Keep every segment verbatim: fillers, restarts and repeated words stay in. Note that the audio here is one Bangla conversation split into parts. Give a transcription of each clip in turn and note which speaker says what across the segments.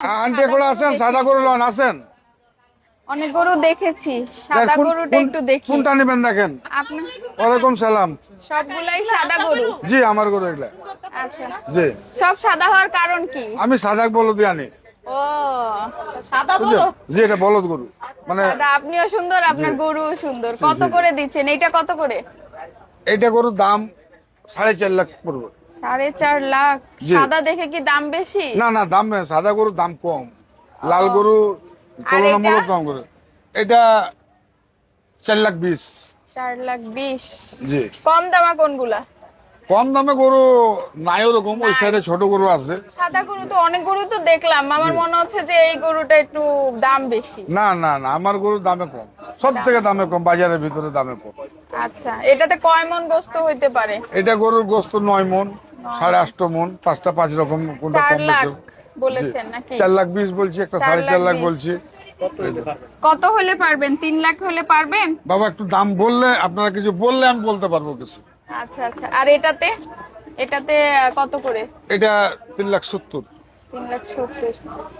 Speaker 1: আন্টি করে আছেন, সাদা গরু লন আছেন?
Speaker 2: অনেক গরু দেখেছি, সাদা
Speaker 1: কোন-
Speaker 2: গরুটা
Speaker 1: কোন-
Speaker 2: একটু দেখি।
Speaker 1: কোনটা নেবেন দেখেন।
Speaker 2: আপনি
Speaker 1: ওয়ালাইকুম সালাম।
Speaker 2: সবগুলাই সাদা গরু?
Speaker 1: জি আমার গরু এগুলা।
Speaker 2: আচ্ছা,
Speaker 1: জি
Speaker 2: সব সাদা হওয়ার কারণ কি?
Speaker 1: আমি সাদা বলদ আনি।
Speaker 2: ও, সাদা
Speaker 1: বুঝছেন?
Speaker 2: বলদ।
Speaker 1: জি এটা বলদ গরু মানে
Speaker 2: সাদা, আপনিও সুন্দর, আপনার
Speaker 1: জি।
Speaker 2: গরু সুন্দর।
Speaker 1: জি,
Speaker 2: কত
Speaker 1: জি।
Speaker 2: করে দিচ্ছেন এইটা? কত করে?
Speaker 1: এইটা গরুর দাম সাড়ে চার লাখ পড়বে।
Speaker 2: সাড়ে চার লাখ?
Speaker 1: জি।
Speaker 2: সাদা দেখে কি দাম বেশি?
Speaker 1: না না দাম না, সাদা গরুর দাম কম, লাল গরু তুলনামূলক দাম করে। এটা চার লাখ বিশ।
Speaker 2: চার লাখ বিশ?
Speaker 1: জি
Speaker 2: কম দামা কোনগুলা?
Speaker 1: কম দামে গরু নাই ওরকম, ওই সাইডে ছোট গরু আছে।
Speaker 2: সাদা গরু তো অনেক গরু তো দেখলাম, আমার মনে হচ্ছে যে এই গরুটা একটু দাম বেশি।
Speaker 1: না না না আমার গরুর দামে কম, সব থেকে দামে কম, বাজারের ভিতরে দামে কম।
Speaker 2: আচ্ছা, এটাতে কয় মন গোস্ত হইতে পারে?
Speaker 1: এটা গরুর গোস্ত নয় মন, সাড়ে আষ্ট মন, পাঁচটা পাঁচ রকম, কোনটা
Speaker 2: চার
Speaker 1: কম
Speaker 2: লাখ
Speaker 1: বেশি।
Speaker 2: বলেছেন নাকি?
Speaker 1: চার লাখ বিশ বলছি, একটা
Speaker 2: চার
Speaker 1: সাড়ে চার
Speaker 2: লাখ
Speaker 1: লাখ
Speaker 2: বিশ।
Speaker 1: বলছি।
Speaker 2: কত হলে পারবেন? তিন লাখ হলে পারবেন?
Speaker 1: বাবা একটু দাম বললে, আপনারা কিছু বললে আমি বলতে পারবো কিছু।
Speaker 2: আচ্ছা আচ্ছা, আর এটাতে? এটাতে আহ, কত করে?
Speaker 1: এটা তিন লাখ সত্তর।
Speaker 2: তিন লাখ সত্তর।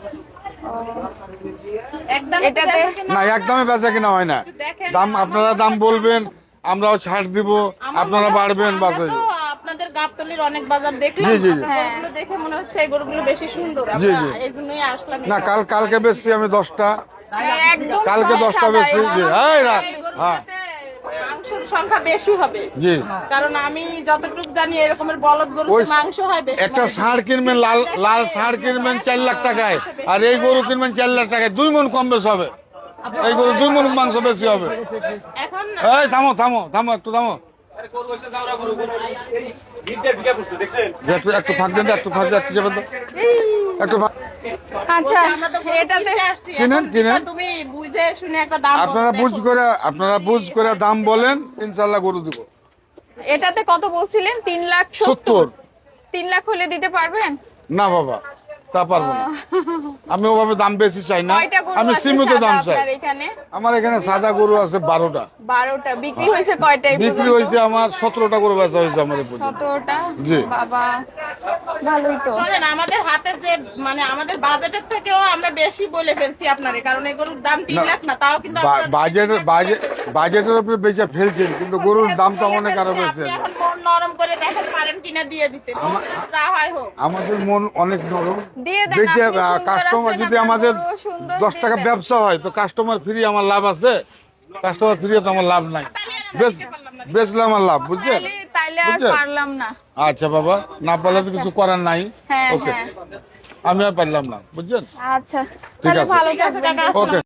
Speaker 2: এটাতে
Speaker 1: না একদমই বেচা কিনা হয় না, দাম আপনারা দাম বলবেন, আমরাও ছাড় দিব, আপনারা বাড়বেন বাস হয়ে যাবে।
Speaker 3: আপনাদের গাবতলির অনেক বাজার দেখলাম,
Speaker 1: জি, জি, জি।
Speaker 3: আপনার গরুগুলো দেখে মনে হচ্ছে এই গরুগুলো বেশি সুন্দর।
Speaker 1: জি,
Speaker 3: আমরা
Speaker 1: জি।
Speaker 3: এই জন্যই আসলাম।
Speaker 1: না কাল কালকে বেচছি আমি দশটা,
Speaker 2: একদম
Speaker 1: কালকে
Speaker 2: সব
Speaker 1: দশটা
Speaker 2: সাদা,
Speaker 1: বেচছি।
Speaker 2: এবং
Speaker 1: জি এই রাত হ্যাঁ
Speaker 3: মাংসের সংখ্যা বেশি হবে,
Speaker 1: জি।
Speaker 3: কারণ আমি যতটুকু জানি এরকমের বলদ গরুতে
Speaker 1: ওই
Speaker 3: মাংস হয় বেশি।
Speaker 1: একটা
Speaker 3: মানে
Speaker 1: ষাঁড় কিনবেন, লাল লাল ষাঁড় কিনবেন চার লাখ টাকায়, আর এই গরু কিনবেন চার লাখ টাকায়, দুই মন কম বেশি হবে। এই গরু দুই মন মাংস বেশি হবে।
Speaker 3: এখন
Speaker 1: এই থামো থামো থামো একটু থামো, একটু একটু ফাঁক দেন তো, একটু ফাঁক দেন, একটু যাবেন তো, একটু ফাঁক-
Speaker 2: আচ্ছা,
Speaker 3: আমরা তো গরু
Speaker 2: এটাতে
Speaker 3: কিনতে আসছি,
Speaker 1: কিনেন,
Speaker 3: এখন
Speaker 1: কিনেন।
Speaker 3: তুমি বুঝে শুনে একটা দাম বলো,
Speaker 1: আপনারা
Speaker 3: দেখো।
Speaker 1: বুঝ করে আপনারা বুঝ করে দাম বলেন, ইনশাল্লাহ গরু দিব।
Speaker 2: এটাতে কত বলছিলেন? তিন লাখ
Speaker 1: সত্তর।
Speaker 2: সত্তর? তিন লাখ হলে দিতে পারবেন?
Speaker 1: না বাবা তা পারবো না, আমি ওভাবে দাম বেশি চাই না,
Speaker 2: কয়টা গরু
Speaker 1: আমি
Speaker 2: আছে
Speaker 1: সীমিত
Speaker 2: সাদা
Speaker 1: দাম চাই।
Speaker 2: আপনার এখানে?
Speaker 1: আমার এখানে সাদা গরু আছে বারোটা,
Speaker 2: বারোটা। বিক্রি হয়েছে কয়টাই?
Speaker 1: বিক্রি হয়েছে আমার সতেরোটা গরু বেচা হয়েছে আমার এই পর্যন্ত।
Speaker 2: সতেরোটা?
Speaker 1: জি।
Speaker 2: বাবা, ভালোই তো।
Speaker 3: শোনেন, আমাদের হাতে যে মানে আমাদের বাজেটের থেকেও আমরা বেশি বলে ফেলছি আপনারে, কারণ এই গরুর দাম তিন
Speaker 1: না,
Speaker 3: লাখ না, তাও কিন্তু
Speaker 1: বা-
Speaker 3: আপনারা-
Speaker 1: বাজেটের বাজেট বাজেটের উপরে বেচে ফেলছেন, কিন্তু গরুর দামটা অনেক আরো বেশি
Speaker 3: আপনি
Speaker 1: আছে।
Speaker 3: এখন মন নরম করে দেখেন পারেন কিনা দিয়ে দিতে, যা হয় হোক।
Speaker 1: আমাদের মন অনেক নরম,
Speaker 2: দিয়ে দেন,
Speaker 1: বেশি
Speaker 2: আপনি সুন্দর
Speaker 1: কাস্টমার
Speaker 2: আছেন,
Speaker 1: যদি
Speaker 2: আপনার
Speaker 1: আমাদের
Speaker 2: গরুও সুন্দর,
Speaker 1: দশ টাকা
Speaker 2: দিয়ে দেন।
Speaker 1: ব্যবসা হয় তো কাস্টমার ফ্রি আমার লাভ আছে, কাস্টমার ফ্রি তো আমার লাভ নাই, বেশ বেচলে আমার লাভ, বুঝছেন?
Speaker 2: তাইলে- তাইলে আর
Speaker 1: বুঝছেন?
Speaker 2: পারলাম না।
Speaker 1: আচ্ছা বাবা, না পারলে তো কিছু করার নাই।
Speaker 2: হ্যাঁ
Speaker 1: ওকে,
Speaker 2: হ্যাঁ,
Speaker 1: আমি আর পারলাম না, বুঝছেন?
Speaker 2: আচ্ছা,
Speaker 1: ঠিক
Speaker 2: তাহলে
Speaker 1: আছে।
Speaker 2: ভালো থাকবেন।
Speaker 1: ওকে।